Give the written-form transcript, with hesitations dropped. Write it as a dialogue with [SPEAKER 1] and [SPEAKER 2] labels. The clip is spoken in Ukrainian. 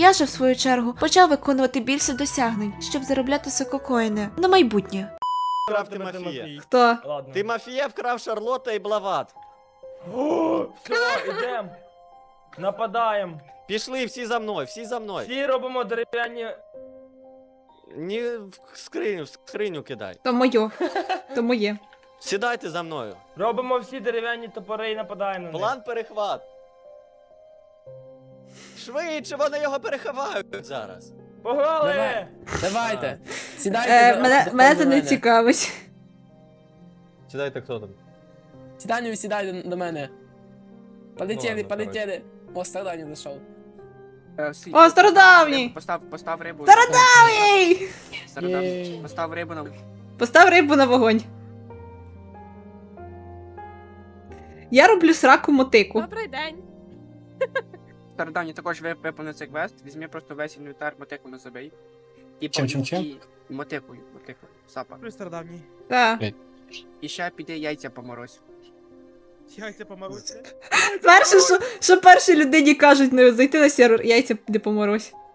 [SPEAKER 1] Я же, в свою чергу, почав виконувати більше досягнень, щоб заробляти сококоїни на майбутнє.
[SPEAKER 2] Вкрав Тимофія.
[SPEAKER 1] Хто?
[SPEAKER 3] Ладно.
[SPEAKER 2] Тимофія вкрав Шарлотта і Блават.
[SPEAKER 3] Все, ідем. Нападаємо.
[SPEAKER 2] Пішли всі за мною, всі за мною.
[SPEAKER 3] Всі робимо дерев'яні.
[SPEAKER 2] Не в скриню кидай.
[SPEAKER 1] То моє. То моє.
[SPEAKER 2] Сідайте за мною.
[SPEAKER 3] Робимо всі дерев'яні топори і нападаємо на них.
[SPEAKER 2] План перехват. Швидше, вони його переховають зараз.
[SPEAKER 3] Погнали!
[SPEAKER 4] Давай. Давайте. Сідайте
[SPEAKER 1] Мене це не цікавить.
[SPEAKER 5] Сідайте, хто там?
[SPEAKER 4] Сідайте, сідайте до мене. Полетіли,
[SPEAKER 5] Ладно,
[SPEAKER 4] полетіли. О, Старданів зайшов.
[SPEAKER 1] О, стародавній!
[SPEAKER 6] Постав рибу.
[SPEAKER 1] Стародавній!
[SPEAKER 6] Стародавній. Постав рибу на...
[SPEAKER 1] Постав рибу на вогонь. Я роблю сраку мотику.
[SPEAKER 7] Добрий день.
[SPEAKER 6] Стародавній також виповнив цей квест. Візьми просто весь інвентар, мотику не забий. І
[SPEAKER 4] Чим?
[SPEAKER 6] мотикою, сапа.
[SPEAKER 8] Плюс стародавній.
[SPEAKER 1] Так.
[SPEAKER 6] І ще піди яйця поморозь.
[SPEAKER 8] Яйця помаруться.
[SPEAKER 1] Перше, що першій людині кажуть, не зайти на сервер, яйця не поморозь.